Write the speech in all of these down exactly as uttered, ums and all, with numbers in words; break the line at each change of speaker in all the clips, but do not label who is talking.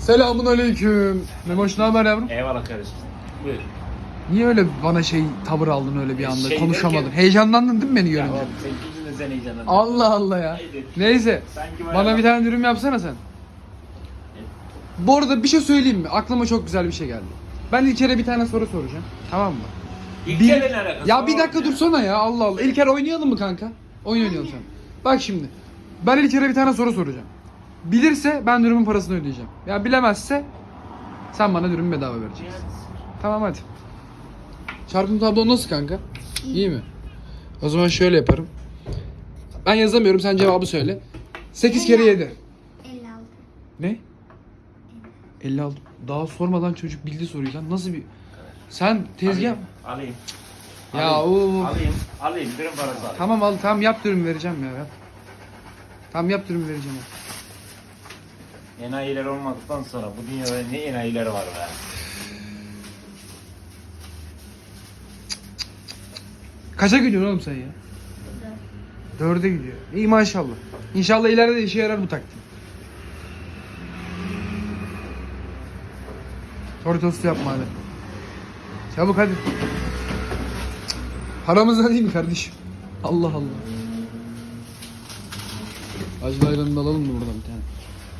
Selamun aleyküm. Memoş ne haber yavrum?
Eyvallah kardeşim. Buyur.
Niye öyle bana şey tavır aldın öyle bir anda
Şey
konuşamadın?
derken-
Heyecanlandın değil mi beni
Ya
görünce?
oğlum sen kimsin de sen heyecanlandın?
Allah Allah ya.
Haydi.
Neyse.
Sanki bayağı-
Bana bir tane dürüm yapsana sen. Bu arada bir şey söyleyeyim mi? Aklıma çok güzel bir şey geldi. Ben İlker'e bir tane soru soracağım. Tamam mı?
İlk
Bir-
kere ne alakası
Ya
var
bir dakika
oğlum
dursana ya Allah Allah. İlker oynayalım mı kanka? Oyun oynayalım sen. Bak şimdi. Ben İlker'e bir tane soru soracağım. Bilirse ben dürümün parasını ödeyeceğim. Ya bilemezse sen bana dürümü bedava vereceksin. Tamam hadi. Çarpım tablo nasıl kanka? İyi mi? O zaman şöyle yaparım. Ben yazamıyorum sen cevabı söyle. sekiz kere yedi.
elli altı.
Ne? elli altı. Daha sormadan çocuk bildi soruyu lan. Nasıl bir... Sen tezgah...
Alayım. Alayım.
Ya
alayım.
o...
Alayım. Alayım. Dürüm parası alayım.
Tamam al tamam yap dürüm vereceğim ya. Yap. Tamam yap dürüm vereceğim.
Enayiler olmadıktan sonra bu dünyada ne enayiler var be.
Kaça gidiyorsun oğlum sen ya? Dörde gidiyor. İyi maşallah. İnşallah ileride de işe yarar bu taktik. Soru tostu yapma hadi. Çabuk hadi. Paramızdan değil mi kardeşim? Allah Allah. Acılı ayranını da alalım mı buradan bir tane?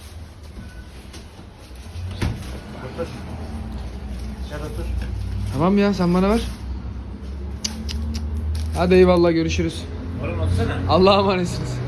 Otur. Dışarı otur.
Tamam ya sen bana ver. Hadi eyvallah görüşürüz.
Oğlum otursana.
Allah'a emanetsiniz.